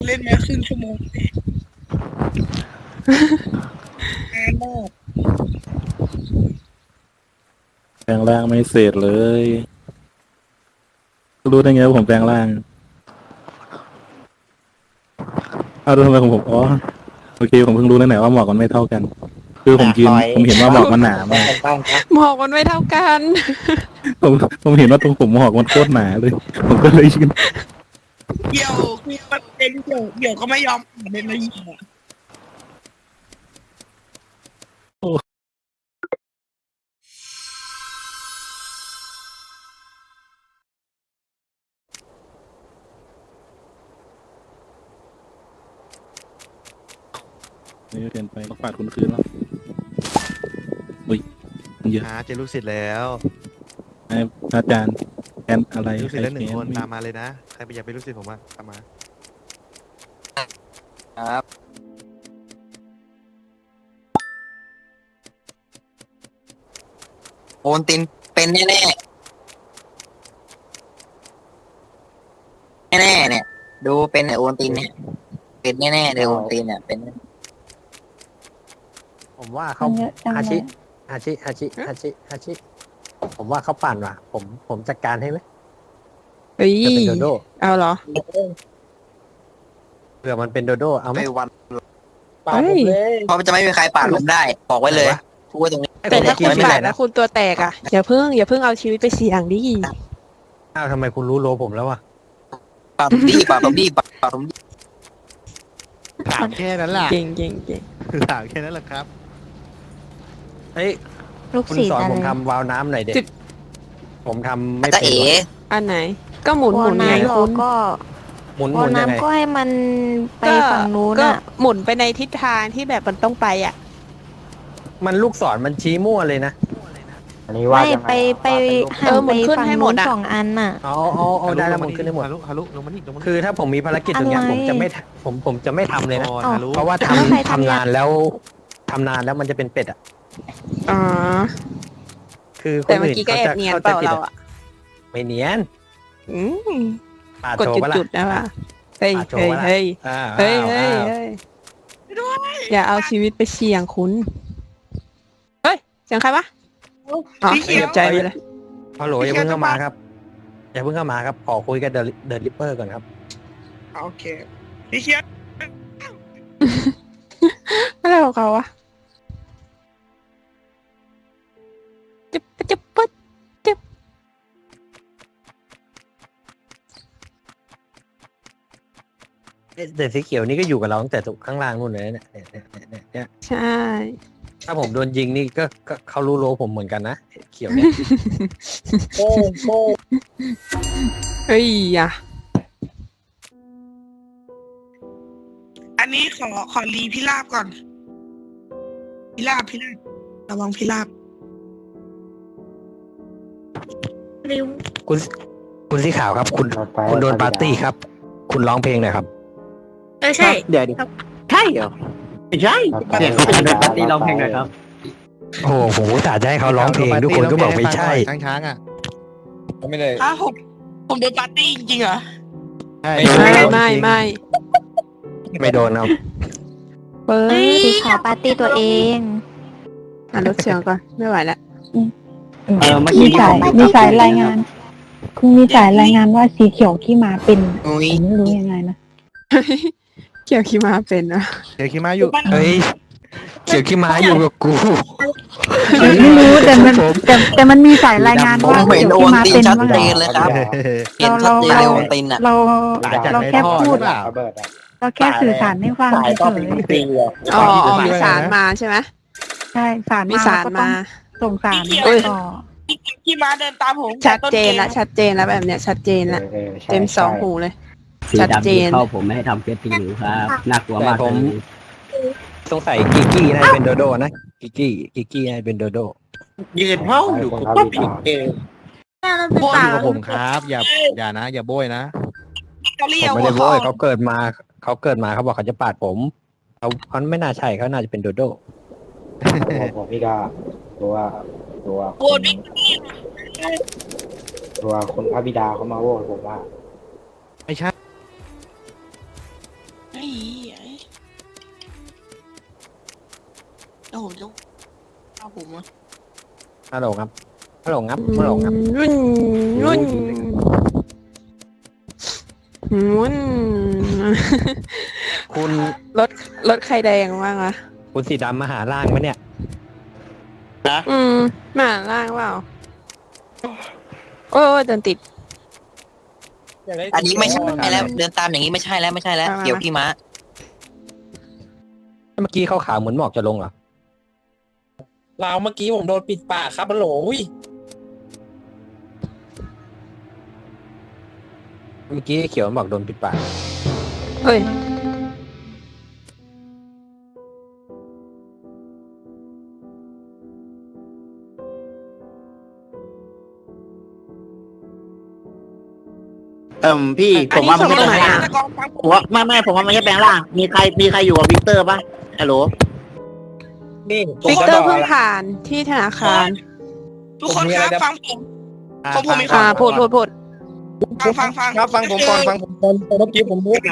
เล่นมาครึ่งชั่วโมงนานมากแปลงร่างไม่เสร็จเลยรู้ได้ไงว่าผมแปลงร่างเอาดูทำไมของผมอ๋อโอเคผมเพิ่งรู้แล้วไหนว่าหมอกมันไม่เท่ากันคือผมเห็นว่าหมอกมันหนามากหมอกมันไม่เท่ากันผมผมเห็นว่าตรงผมหมอกมันโคตรหนาเลยผมก็เลยยืนเดี่ยวคือประเด็นเดี่ยวก็ไม่ยอมเล่นมายิงอ่ะนี่เรียนไปต้องฝาดคุณคืนแล้วอุ้ยมันเยอะเจอลูกศิษย์แล้วให้อาจารย์แอนอะไรลูกศิษย์แล้วหนึ่งคนไม่ตามมาเลยนะใครไปอยากเป็นลูกศิษย์ผมบ้างตามมาครับโอนตินเป็นแน่แน่แน่ๆเนี่ย ดูเป็นโอนตินเนี่ยเป็นแน่ๆเลยโอนตินเนี่ยเป็นผมว่าเขามันเยอะจังฮาเลชิยฮาชิผมว่าเขาปั่นว่ะ ผมจัดการให้ไหมเฮ้ยจะเป็นโดโดเอาเหรอเผื่อมันเป็นโดโดเอาไหมไม่วันเฮ้ยเพราะจะไม่มีใครปาดผมได้บอกไว้เลยพูดไว้ตรงนี้แต่ถ้าคุณไม่ปาไรดแล้นะวคุณตัวแตกอ่ะอย่าเพิ่งเอาชีวิตไปเสี่ยงดิอ้าวทำไมคุณรู้โลผมแล้ววะปาดผมดีปาดผมดีปาดผมดีถามแค่นั้นแหละเก่งถามแค่นั้นแหละครับเฮ้ยลูกคุณศิษสย์อนอะไรผมทำวาล์วน้ำหน่อยเด็กผมทำไม่จะเป็นเอ๋ว่ะอันไหน ก็หมุนวหอมุนไงน้ำเราคุณก็หมุนวหอมุนยังไงน้ำก็ให้มันไปฝั่งนู้นก็อ่ะหมุนไปในทิศทางที่แบบมันต้องไปอ่ะมันลูกศรมันชี้มั่วเลยนะไม่ไปหันหมุไปนขึ้นฝั่งให้หมนู้ดนอะ 2 อันน่ะเอาได้แล้วมันขึ้นได้หมดฮารุลงมานี่ลงมานี่คือถ้าผมมีภารกิจตรงเนี้ยอะไรผมจะไม่ผมจะไม่ทำเลยนะฮารุเพราะว่าแล้วใครทำทำงานแล้วทำนานแล้วมันจะเป็นเป็ดอ่ะอ๋อคือคแต่นเมื่ออื่นกี้ก็เขาแอบจะเนียนเข้าเปใจล่าผิดเราอะอ่ะไม่เนียนอืมปาดกดโชว์ปะล่ะจุดๆนะว่ะเฮ้ยปาดโชเฮ้ว์ยปะล่ะเฮ้ยอ้าวเฮ้ยอ้าวเฮ้ยอย่าเอาชีวิตไปเสี่ยงคุณเฮ้ยเสียงใครวะอ๋อสีเขียวใจไปเลยฮัลโหลอย่าเพิ่งเข้ามาครับอย่าเพิ่งเข้ามาครับขอคุยกับเดอะริปเปอร์ก่อนครับโอเคพี่เคียร์อะไรของเขาวะจึ๊บจึ๊บปึ๊ดจึ๊บแต่สีเขียวนี่ก็อยู่กับเราตั้งแต่ข้างล่างนู่นเลยนะเนี่ยใช่ถ้าผมโดนยิงนี่ก็เขารู้โลผมเหมือนกันนะเขียวเนี่ยเฮ้ยอ่ะอันนี้ขอรีพิราบก่อนพิราบระวังพิราบริ้วคุณสีขาวครับ คุณโดนปาร์ตี้ครับ คุณร้องเพลงหน่อยครับใช่เดี๋ยวดิใช่เหรอไม่ใช่เนี่ยเขาเป็นปาร์ตี้ร้องเพลงหน่อยครับโอ้โหผมอุตส่าห์จะให้เขาร้องเพลงทุกคนก็บอกไม่ใช่ช้างอ่ะไม่ได้ถ้าผมโดนปาร์ตี้จริงๆเหรอใช่ไม่ไม่โดนครับเปิดสีขาวปาร์ตี้ตัวเองลดเสียงก่อนไม่ไหวแล้วเมื่อกี้มีสายรายงาน คุณมีสายรายงานว่าสีเขียวขี้มาเป็นอุ้ยผมไม่รู้ยังไงนะเกี่ยวขี้มาเป็นนะเดี๋ยวคิดมาอยู่เฮ้ยเขียวขี้ม้าอยู่กับกูไม่รู้แต่มันมีสายรายงานผมว่าเห็เขีนยวโอขี้นมาตินเป็นชัดว่าเจไงนเลยครับเห็นชัดเจนเลยโอนตินอ่ะเราจากเราในแค่ท่อพูหดรือเปล่าเราแค่สื่อสารให้ฟังเฉยอ๋อมีสารมาใช่ไหมๆใช่สารมีสารก็ต้อมางส่งสารเอ้ยต่อพี่ม้าเดินตามผมชัดเจนแล้วชัดเจนแล้วแบบเนี้ยชัดเจนแล้วเต็มสองหูเลยสีชัดดำเจที่นเข้าผมไม่ให้ทำเฟซติงหรือครับน่ากลัวมากแต่ผมเลยสงสัยกิกกี้น่าจะเป็นโดโดนะกิกกี้น่าจะเป็นโดโดยืนเมาอยู่ผมก็ผิดเองพูดกับผมครับ อย่านะ อย่าโบยนะเขาเรีผยมกไม่ได้ว่าโวยเขาเกิดมาเขาบอกเขาจะปาดผมเขาไม่น่าใช่เขาน่าจะเป็นโดโดผมพี่ก็ตัวโวนพี่ตัวคุณพระบิดาเขามาโหวตผมว่าไม่ใช่โอ้โหลูกเอาผมอะฮัลโหลครับฮัลโหลครับฮัลโหลครับรุ่นรุ่นรุ่นคุณรถใครแดงบ้างอะคุณสีดำมาหาล่างไหมเนี่ยมาล่างเปล่าโอ้ยเดินติดอันนี้ไม่ใช่แล้วเดินตามอย่างนี้ไม่ใช่แล้วไม่ใช่แล้วมาเกี่ยวพี่ม้าเมื่อกี้เขาขาวเหมือนหมอกจะลงเหรอเราเมื่อกี้ผมโดนปิดปากครับฮัลโหลอุ้ยเมื่อกี้เขียวมันบอกโดนปิดปากเฮ้ยพี่ผมว่ามันไม่อัแปลนงนี้ร่างส่งมาผมว่าไม่ผมว่ามันไม่แปลงร่างมีใครอยู่กับวิกเตอร์ปะฮัลโหลนี่วิกเตอร์เพิ่งผ่านที่ธนาคารทุกคนครับฟังผมมีพูดฟังครับฟังผมก่อนฟังผมก่อนเมื่อกี้ผมรู้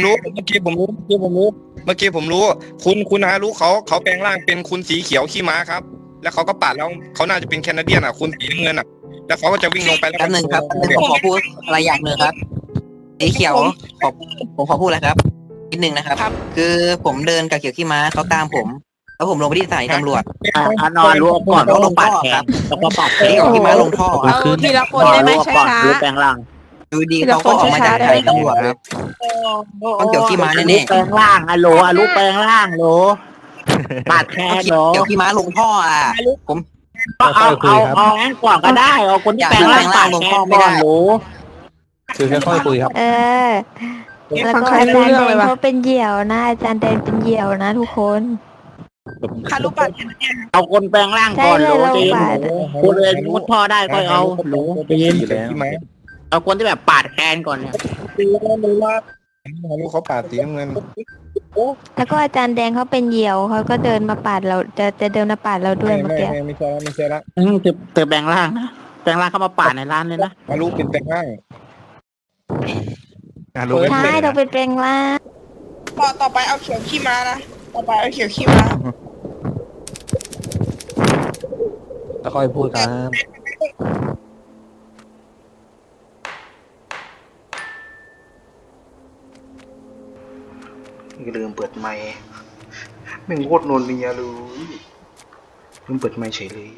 คุณฮารุเขาแปลงร่างเป็นคุณสีเขียวขี้ม้าครับ แล้วเขาก็ปาดแล้วเขาน่าจะเป็นแคนาเดียนอ่ะคุณสีน้ำเงินอ่ะแล้วเขาก็จะวิ่งลงไปแล้วแป๊บนึงครับแป๊บนึงผมขอพูดอะไรอย่างหนึ่งครับสีเขียวผมขอพูดอะไรครับนิดนึงนะครับ คือผมเดินกับเขียวขี้ม้าเขาตามผม แล้วผมลงไปที่สถานีตำรวจนอนรู้ก่อนแล้วลงท่อครับแล้วก็ปาดแขเขีนยวขี้ม้าลงท่อเอาทีละคนได้ไหมช้ารู้แปลงร่างดูดีเขาก็ออกมาจากสถานีตำรวจครับต้องเกี่ยวขี้ม้าแน่รู้แปลงร่างฮัลโหลรู้แปลงร่างโหลปาดแขๆนโหลเกี่ยวขี้ม้าลงท่ออ่ะก็เอางั้นก่อนก็ได้เอาคนที่แปลงร่างปาดแขนก่อนโหลคือค่อยๆคุยครับแล้วก็อาจารย์แดงเขาเป็นเหยี่ยวนะอาจารย์แดงเป็นเหยี่ยวนะทุกคนคารุปัดเอาคนแปลงร่างก่อนโหลใจเย็นคนเลยมุดท่อได้ก็เอาโหลใจเย็นอยู่แล้วเอาคนที่แบบปาดแขนก่อนเนี่ยเขาปาดสีน้ำเงินแล้วก็อาจารย์แดงเขาเป็นเหยี่ยวเขาก็เดินมาปาดเราจะเดินมาปาดเราด้วยเมื่อกี้ไม่ใช่ละเธอแปลงร่างนะแปลงร่างเข้ามาปาดในร้านเลยนะฮารุเป็นแปลงร่างใช่เราเป็นแปลงร่างต่อไปเอาเขียวขี้ม้านะต่อไปเอาเขียวขี้ม้าค่อยๆพูดครับลืมเปิดไมค์แม่งโคตรโนนเนียเลยลืมเปิดไมค์เฉยเลย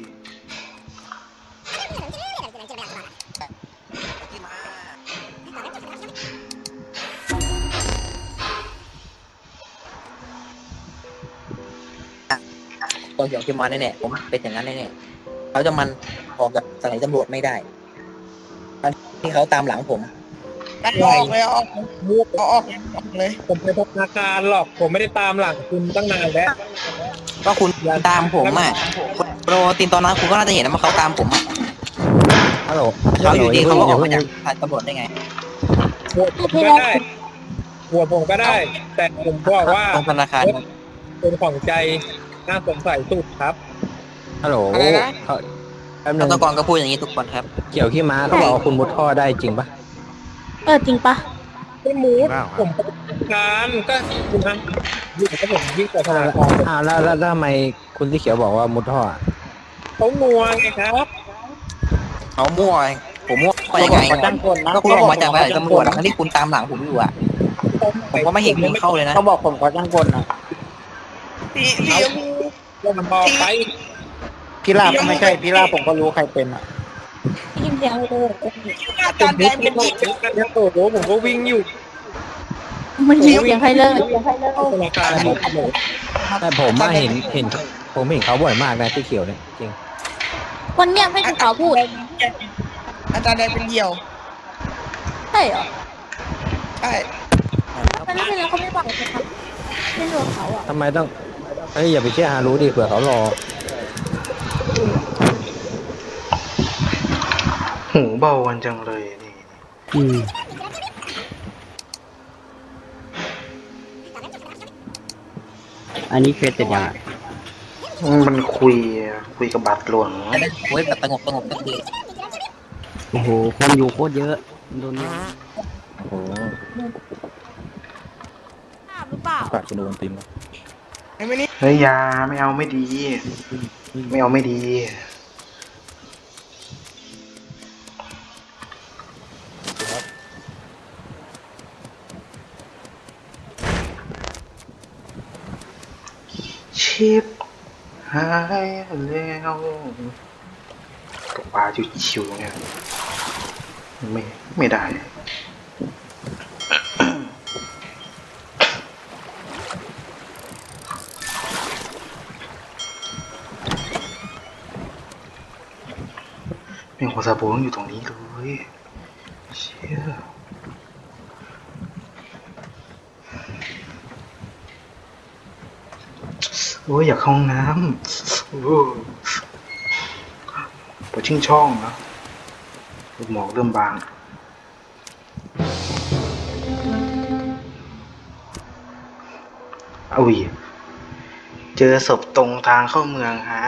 ตัวเกี่ยวขี้ม้าแน่ๆผมเป็นอย่างนั้นแน่ๆเขาจะมันออกจากสถานีตำรวจไม่ได้ที่เขาตามหลังผมออกเลยออกเลยผมไปพบธนาคารหรอกผมไม่ได้ตามหลังคุณตั้งนานแล้วก็คุณตามผมอ่ะโปรตีนตอนนั้นคุณก็น่าจะเห็นนะว่าเขาตามผมอ่ะฮัลโหลเขาอยู่ดีเขาก็ออกมาอย่จากสถานีตำรวจได้ไงก็ได้หัวผมก็ได้ แต่ผมบอกว่าตรงธนาคารเป็นของใจน่าสงสัยสุดครับฮัลโหลอะไรนะเขาแป๊บนึรังตกรก็พูดอย่างนี้ทุกคนครับเกี่ยวขี้ม้าเขาบอกว่าคุณมุดท่อได้จริงปะจริงปะไม่มูดผมประการก็คุณฮะอยู่กับผมยิ่งกว่าธนาคารแล้วทำไมคุณที่เขียวบอกว่ามุดท่ออะเขางัวไงครับเขามั่วผมมั่วไปยังไงขอจ้างคนนะก็คุณออกมาจากสถานีตำรวจทั้งที่คุณตามหลังผมอยู่อ่ะผมก็ไม่เห็นคุณเข้าเลยนะเขาบอกผมขอจ้างคนนะสีชมพูว่ามันบอกไปพี่ลาบก็ไม่ใช่พี่ลาบผมก็รู้ใครเป็นอ่ะยินเสียงเลยอาจารย์แดงเป็นหญิงโอ้โหผมก็วิ่งอยู่มันยินเสียงใครเลยธนาคารแต่ผมมาเห็นผมเห็นเขาบ่อยมากนะที่เขียวเนี่ยจริงคนเงียบให้คุณเขาพูดอาจารย์แดงเป็นเหยี่ยวใช่เหรอใช่แต่ไม่เป็นไรเขาไม่บอกเลยครับไม่รู้เขาอ่ะทำไมต้องเฮ้ยอย่าไปเชื่อฮารุดิเผื่อเขารอหูเบาวันจังเลยนี่อันนี้เคยติดยังมันคุยกับบัตรหลวงจะได้โอ้ยแบบสงบสักทีโอ้โหคนอยู่โคตรเยอะโดนโอ้โหปาดคนโดนตีนวะไอ้ไม่นี่เฮ้ยอยาไม่เอาไม่ดี ไม่เอาไม่ดีชิปหายแล้วตกปลาชิวๆเนี่ยไม่ได้ เป็นหัวซาโบต้องอยู่ตรงนี้เลยเชี่ยโอ้ยอยากเข้าห้องน้ำโอ้ปวดชิงช่องนะลูกหมอกเริ่มบางเอาอีกเจอศพตรงทางเข้าเมืองฮะ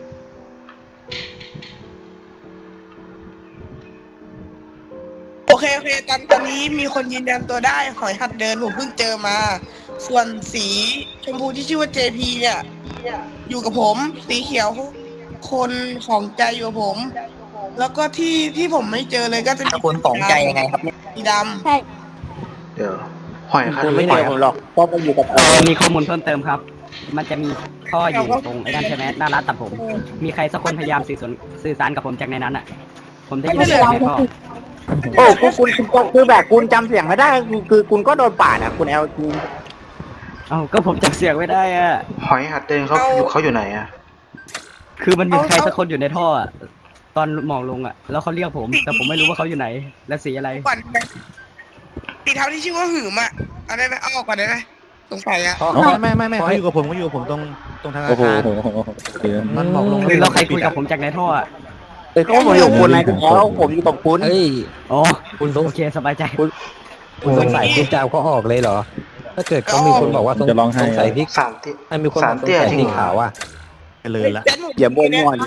โอเคตอนนี้มีคนยืนยันตัวได้หอยหัดเดินผมเพิ่งเจอมา ส่วนสีชมพูที่ชื่อว่า JP เนี่ยอยู่กับผมสีเขียวคนของใจอยู่กับผม แล้วก็ที่ผมไม่เจอเลยก็จะมีคนของใจยังไงครับเนี่ยสีดใช่เดี๋ยวหอยครับไม่เหนื่อยผมหรอกเพราะผมอยู่กับมีข้อมูลเพิ่มเติมครับ มันจะมีท่ออยู่ตรงไอ้นั่นใช่ไหมหน้าร้านตัดผม มีใครสักคนพยายามสื่อสารกับผมจากในนั้นอ่ะ ผมได้ยินเสียงในท่อโอ้คุณคือแบบคุณจำเสียงไม่ได้คือคุณก็โดนปาดอะคุณเอลจีเอ้าก็ผมจำเสียงไม่ได้อ่ะหอยหัดเดินเขาอยู่ไหนอะคือมันมีใครสักคนอยู่ในท่ออะตอนหมองลงอ่ะ แล้วเขาเรียกผม แต่ผมไม่รู้ว่าเขาอยู่ไหน และสีอะไรำก่อนนะสีเทาที่ชื่อว่าหืมอ่ะเอาได้ไหมเอาออกก่อนได้ไหมสงสัยอ่ะไม่เขาอยู่กับผมตรงทางอาโอ้โหคารโอเคมันหมอกลงคือแล้วใครคุยกับผมจากในท่ออ่ะเขาบอกอยู่คุณนายคุณแอลผมอยู่กับคุณเฮ้ยอ๋อคุณสงโอเคสบายใจคุณสงสัยคุณจะเอาเขาออกเลยเหรอ ถ้าเกิดเขามีคนบอกว่าสงสัยที่สามเตี้ยมีคนบอกสงเตี้ยสัยจริงสีเหรอขาวอ่ะไปเลยละอย่าบ่นงอน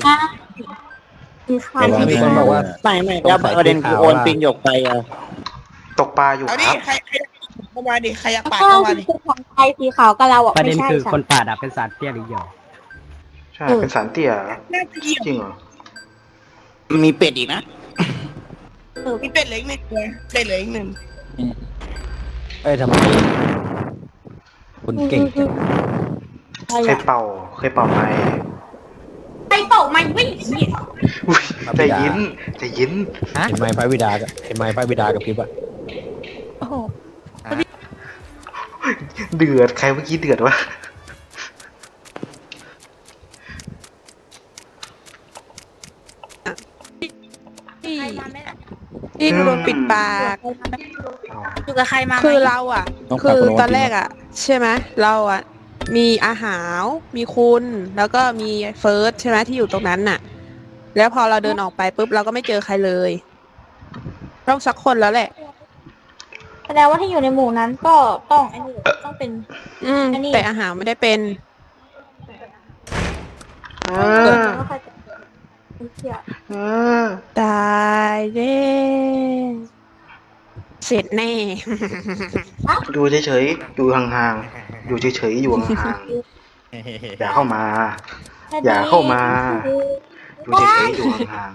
มีคนบอกว่าไม่แล้วประเด็นคือโอนปิงหยกไปอะตกปลาอยู่เอาคดิรับใครเข้ามาดิใครอยากปาดเข้ามาดิของไทยสีขาวกับเราอ่ะประเด็ไม่นใช่คือค่ะคนปาดอ่ะเป็นสารเตี้ยหรือเหยอใช่เป็นสารเตี้ยน่าจะเกี่ยวจริงเหรอมีเป็ดอีกนะมีเป็ดเหลืออีกหนึ่งเลยเป็ดเหลืออีกหนึ่งเอ้ยทำไมคุณเก่งจังเคยเป่าไหมใครเป่าไม่วิ่งอุ๊ยใจเย็นเห็นไหมพระบิดากับพริบอ่ะโอ้โหเดือดใครเมื่อกี้เดือดวะที่โดนปิดปากอยู่กับใครมาคือเราอ่ะต้องคืปาดอคนโดนตอนแรกอ่ะ ใช่ไหมเราอ่ะ มีอาหารมีคุณแล้วก็มีเฟิร์สใช่ไหมที่อยู่ตรงนั้นน่ะ แล้วพอเราเดินออกไปปุ๊บเราก็ไม่เจอใครเลย ต้องสักคนแล้วแหละแสดงว่าที่อยู่ในหมู่นั้นก็ต้องไอ้นี่ต้องเป็น อันนี้แต่อาหารไม่ได้เป็นว่าใครจะเชื่อตายเด้เสร็จแน่ดูเฉยๆอยู่ห่างๆอยู่เฉยๆอยู่ห่างๆอย่าเข้ามา อย่าเข้ามา อยู่เฉยๆอยู่ห่าง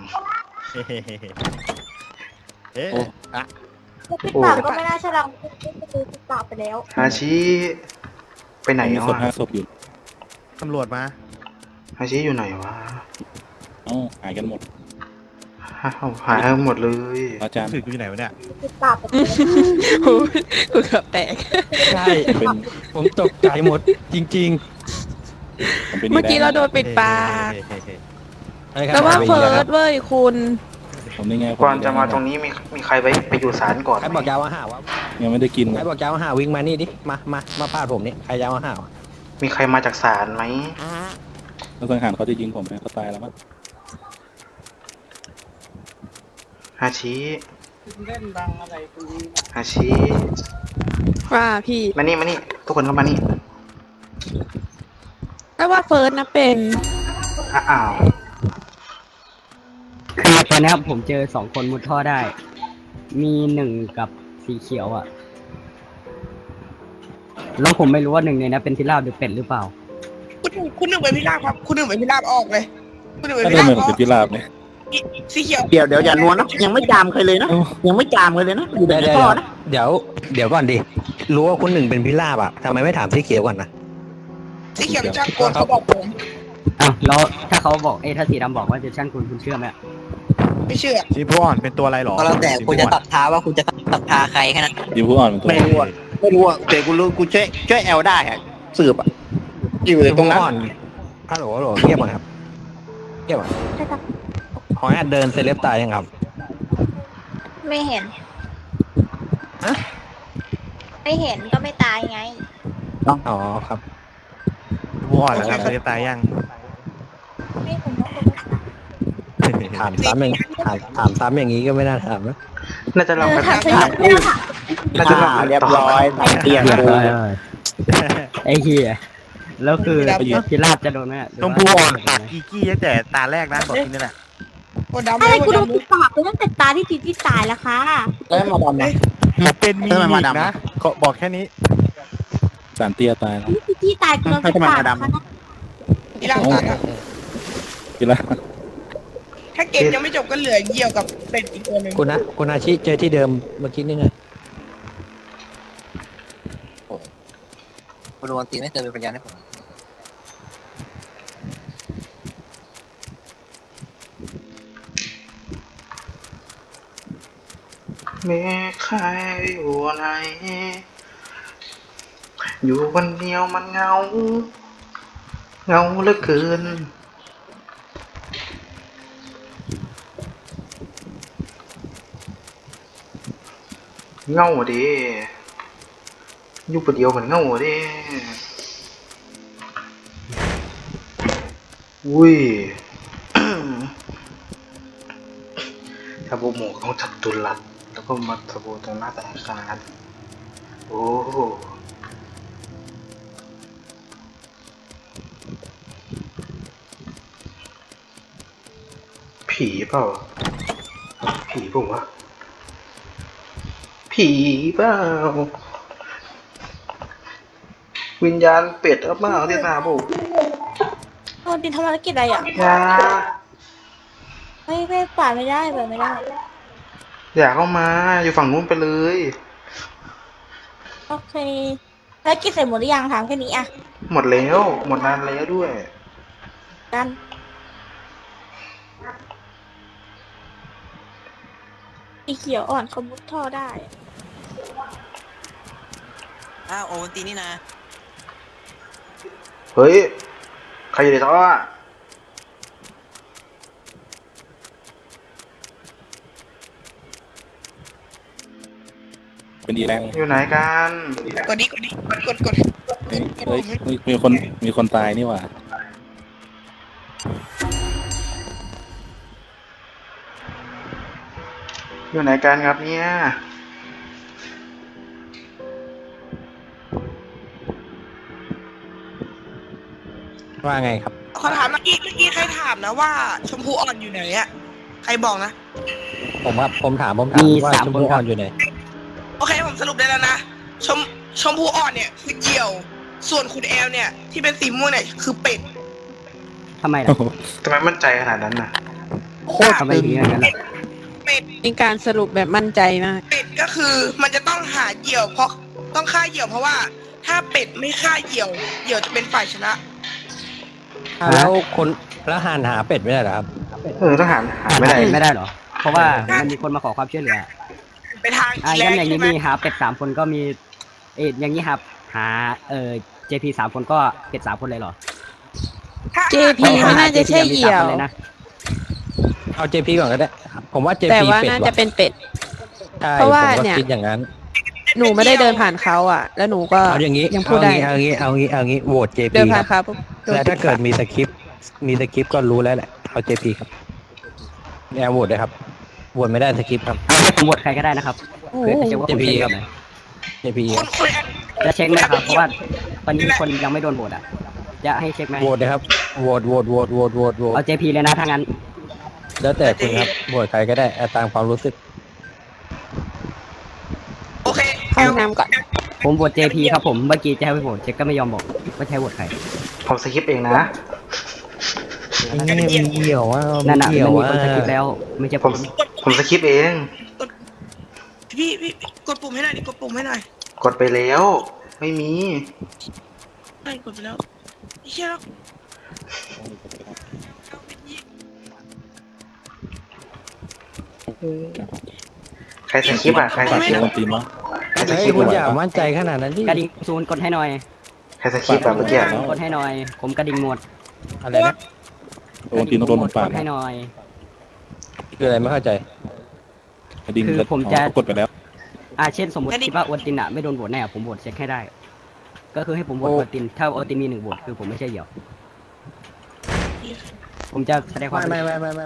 เอ๊ะอะปิดปากก็ไม่น่าใช่เราปิดปากไปแล้วๆฮาชิไปไหนมีแล้วศพอะ 5 ศพอยู่ตำรวจมาฮาชิอยู่ไหนวะหายกันหมดหายหมดเลยอาจารย์สื่ออยู่ไหนวะเนี่ยปิดปากไปแล้วกูเกือบแตกใช่เป็นผมตกใจหมดจริงผมเป็นเมื่อกี้เราโดนปิดปากๆแต่ว่าเฟิร์สเว้ยคุณผมนี่ไงก่อนจะมาตรงนี้มีใครไปอยู่ศาลก่อนใครบอกยาวมาหาวะยังไม่ได้กินใครบอกยาวมาหาวิ่งมานี่ดิมาปาดผมนี่ใครยาวมาหาวะมีใครมาจากศาลไหมแล้วสังหารเขาจะยิงผมไหมเขาตายแล้วมั้งฮาชิฮาชิว่าพี่มานี่ทุกคนเข้ามานี่แต่ว่าเฟิร์สนะเป็นอ้าวคือตอนนี้ผมเจอ2 คนมุดท่อได้ มี1กับสีเขียวอ่ะแล้วผมไม่รู้ว่าหนึ่งในนั้นเป็นพิราบหรือเป็ดหรือเปล่าคุณหนึ่งเป็นพิราบครับ คุณหนึ่งเป็นพิราบออกเลย คุณหนึ่งเป็นถ้าพิเดินราบเหมือนเป็นพิราบเนี่ยสีเขียวเดี๋ยวอย่านวลนะยังไม่จามใครเลยนะยังไม่จามใครเลยนะอยู่ในเดี๋ยวท่อนะเดี๋ยวก่อนดิรู้ว่าคุณหนึ่งเป็นพิราบอ่ะทำไมไม่ถามสีเขียวก่อนนะสีเขียวเป็นช่างกลเขาบอกผมอ้าวแล้วถ้าเขาบอกถ้าสีดำบอกว่าจะช่างคุณเชื่อไหมไม่เชื่อสีผู้อ่อนเป็นตัวอะไรหรอก็แล้วแต่คุณจะตัดท้าว่าคุณจะตัดท้าใครแค่นั้นทีมผู้อ่อนเป็นตัวไม่รู้อะแต่กูรู้กูช่วยแอลได้อะสืบอะอยู่ตรงนั้นฮัลโหลเงียบก่อนครับเงียบก่อนขออนุญาตเดินเซเลบตายยังครับไม่เห็นฮะไม่เห็นก็ไม่ตายไงอ๋อครับผู้อ่อนแล้วครับจะตายยังไม่เห็นว่าคุณถามซ้ำอย่างถามซ้ำอย่างนี้ก็ไม่น่าถามนะน่าจะลองไปถามถามพูดน่าจะลองเรียบร้อยตามเตียงกูไอ้เหี้ยแล้วคือพิราบจะโดนไหมชมพูอ่อนปากกีกี้ตั้งแต่ตาแรกนะบอกทีนี่แหละโคดำอะไรกูโดนโปิดปากไปตั้งแต่ตาที่จีตายแล้วค่ะแล้วมาดำนะผมเป็นมีมิกนะบอกแค่นี้สารเตี้ยตายแล้วที่จีตายกูโดนปิดปากค่ะพิราบตายครับพิราบถ้าเกมยังไม่จบก็เหลือเหยี่ยวกับเป็ดอีกตัวหนึ่งคุณอาชิเจอที่เดิมเมื่อกี้นี่ไงคุณโรนตีไม่เคยเป็นพยานให้ผมมีใครอยู่ไหนอยู่คนเดียวมันเหงาเหลือเกินเหงาดิอยู่คนเดียวมันเหงาดิอุ้ย ถ้าโบหมูเขาจับตุลัดแล้วก็มาสบู่ตรงหน้าธนาคารโอ้โหผีเปล่าผีเปล่าวะผีเปล่าวิญญาณเป็ดหรือเปล่าที่ตาบุกโอ้ดินทำภารกิจอะไรอ่ะอย่าไม่ป่าไม่ได้ป่าไม่ได้อย่าเข้ามาอยู่ฝั่งนู้นไปเลยโอเคภารกิจเสร็จหมดหรือยังถามแค่นี้อ่ะหมดแล้วหมดนานแล้วด้วยกันสีเขียวอ่อนเขามุดท่อได้อ้าวโอวันตีนี่นะเฮ้ยใครอยู่ในท่ออะเป็นดีแรงอยู่ไหนกันกดดิกดเฮ้ยมีคนตายนี่หว่าอยู่ไหนกันครับเนี่ยว่าไงครับขอถามเมื่อกี้ใครถามนะว่าชมพูอ่อนอยู่ไหนอะใครบอกนะผมถามมีว่า 3 ชมคนพูคอ่รัอบ นอยู่ไหนโอเคผมสรุปได้แล้วนะชมพูอ่อนเนี่ยคือเหยี่ยว ส่วนคุณแอลเนี่ยที่เป็นสีม่วงเนี่ยคือเป็ดทำไมล่ะทำไมมั่นใจขนาดนั้นน่ะโคตรทำไมถึงอย่างนั้นล่ะเป็ดเป็นการสรุปแบบมั่นใจมากเป็ดก็คือมันจะต้องหาเหยี่ยวเพราะต้องฆ่าเหยี่ยวเพราะว่าถ้าเป็ดไม่ฆ่าเหยี่ยวจะเป็นฝ่ายชนะแล้วหาเป็ดไม่ได้เหรอครับทหารหาไม่ได้ไม่ได้เหรอ เพราะว่ามันมีคนมาขอความช่วยเหลือไปทางอ่ะอีแรงั้นกอย่างนี้ใช่ไหมมีหาเป็ด3 คนก็มีอย่างนี้ครับหาJP 3 คนก็เป็ด3 คนเลยเหรอ JP ไม่น่าจะใช่เหยี่ยวเลยนะเอา JP ก่อนก็ได้ ผมว่า JP แต่ว่าเป็ดน่าว่ะจะเป็นเป็ดใช่เพราะว่าผมก็เนี่ยคิดอย่างนั้นหนูไม่ได้เดินผ่านเขาอ่ะ แล้วหนูก็เอาอย่างนี้ยังพูดได้เอางี้โหวต JP เดินคผ่ารันบเขาปุ๊บโดนแล้วถ้าเกิดมีสคริปต์ก็รู้แล้วแหละ เอา JP ครับแอร์โหวตเลยครับโหวตไม่ได้สคริปต์ครับผมโหวตใครก็ได้นะครับเพื่อจะเช็คว่าผม JP เช็คครับไหม JP คุณแอลจะเช็คไหมครับเพราะว่าตอนนี้มีคนยังไม่โดนโหวตอ่ะจะให้เช็คไหมโหวตเลยครับโหวตเอา JP เลยนะถ้างั้นแล้วแต่คุณครับโหวตใครก็ได้เอาตามความรู้สึกโอเคเข้าห้องน้ำก่อนผมโหวต JP ครับผมเมื่อกี้จะให้ไปโหวตเจ๊ก็ไม่ยอมบอกว่าใช่โหวตใครผมสคริปต์เองนะไอ้เนี่ยมันเกี่ยวว่านั่นมันน่ะเกี่ยมัวนมีว่าคนสกิปแล้ว ไม่ใช่ผมผมสคริปต์เองพี่กดปุ่มให้หน่อยดิกดปุ่มให้หน่อยกดไปแล้ว ไม่มีไม่กดไปแล้วเชี่ยแล้วใครสคริปต์อ่ะใครสคริปต์คนตีนวะใครสเฮ้คยริปต์คุณอ่ะอย่ามั่นใจขนาดนั้นดิกระดิ่งศูนย์กดให้หน่อยใครสคริปต์อ่ะเมื่อกี้กดให้หน่อย ผมกระดิ่งหมดอะไรนะโดนตีนต้องโดนหมดปากกดให้หน่อยคืออะไรไม่เข้าใจกระดิ่งคือผมจะกดไปแล้วเช่นสมมติคิดว่าโอตินอะไม่โดนโหวตแน่ผมโหวตเช็คให้ได้ ก็คือให้ผมโหวตโอติน ถ้าโอตินมี1โหวตคือผมไม่ใช่เหยี่ยว ผมจะแสดงความไม่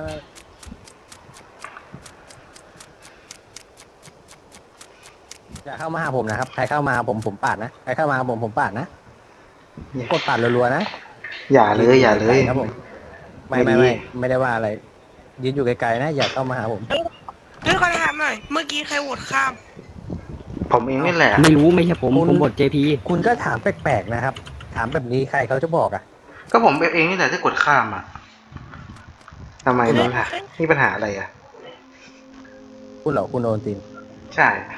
อย่าเข้ามาหาผมนะครับ ใครเข้ามาผมปาดนะ ใครเข้ามาผมปาดนะ กดปาดรัวๆนะอย่าเลยอย่าเลยครับผม ไม่ได้ว่าอะไร ยืนอยู่ไกลๆนะ อย่าเข้ามาหาผมงั้นขอถามหน่อยเมื่อกี้ใครโหวตข้ามผมเองนี่แหละไม่รู้ไม่ใช่ผมโหวต JP คุณก็ถามแปลกๆนะครับ ถามแบบนี้ใครเขาจะบอกอ่ะก็ผมเองนี่แหละที่กดข้ามอ่ะทำไมนี่ล่ะมีปัญหาอะไรอ่ะคุณเหรอคุณโอนตินใช่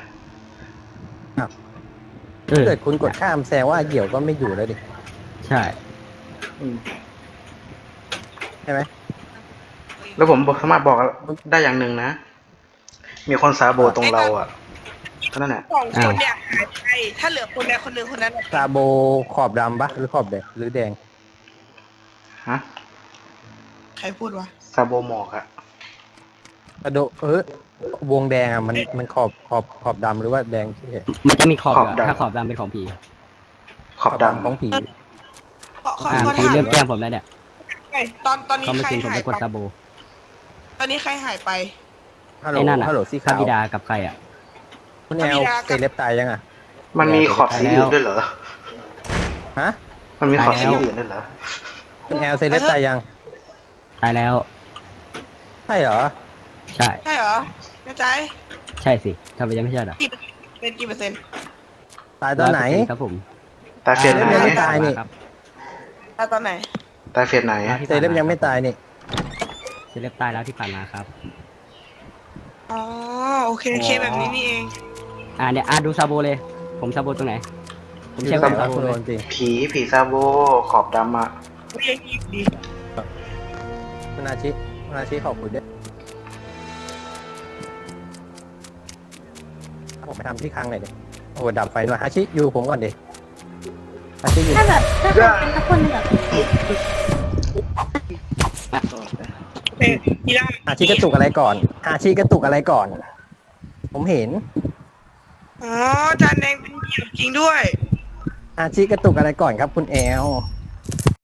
ถ้าเกิดคุณกดข้ามแสดงว่าเหยี่ยวก็ไม่อยู่แล้วดิใช่ใช่ไหมแล้วผมสามารถบอกได้อย่างหนึ่งนะ มีคนสาโบตรงเราอ่ะเท่านั้นแหละสองคนเนี่ยหายไปถ้าเหลือคนใดคนหนึ่งคนนั้นซาโบขอบดำปะหรือขอบแดงหรือแดงฮะใครพูดวะซาโบหมอกอ่ะซาโดวงแดงอ่ะมันขอบดำหรือว่าแดงที่เห็นมันจะมีขอบขอบอะดำถ้าขอบดำเป็นของผีขอบดำของผีขอผีถามเริ่มแกล้งผมแล้วเนี่ยตอนนี้เขาไม่ใครจริงผมหายไปกดไปซาโบตอนนี้ใครหายไปฮัลโหลไอ้นั่นอะฮัลโหลสีพระขาวบิดากับใครอะคุณแอลเซเลบตายยังอ่ะมันมีขอบสีอื่นด้วยเหรอฮะมันมีขอบสีอื่นด้วยเหรอคุณแอลเซเลบตายยังตายแล้วใช่เหรอใช่ใช่เหรอแน่ใจใช่สิทำไมยังไม่ใช่เหรอเป็นกี่เปอร์เซ็นต์ตายตอนไหน 100%ครับผมตายเฟสไหนยังไม่ตายนี่ครับตอนไหนตายเฟสไหนเซเลบยังไม่ตายนี่เซเลบตายแล้วที่ผ่านมาครับอ๋อโอเคแบบนี้นี่เองเนี่ยดูซาโบเลย ผมซาโบตรงไหน ผมอยู่เช็คตรแบงบไหนซาโบคุณเลโอย นจริงผีซาโบขอบดำอ่ะเรียกอีกดีคุณอาชิขอบคุณด้วยผมไปทำที่ครั้งหน่อยดิโอ้ดับไฟด้วยอาชิอยู่ผมก่อนดิอาชิอยู่ถ้าเป็นสักคนแบบโอเคทีละอาชิกระตุกอะไรก่อน อาชิกระตุกอะไรก่อน ผมเห็นอ๋อจานแดงเป็นเหยี่ยวจริงด้วยอาชิกระตุกอะไรก่อนครับคุณแอล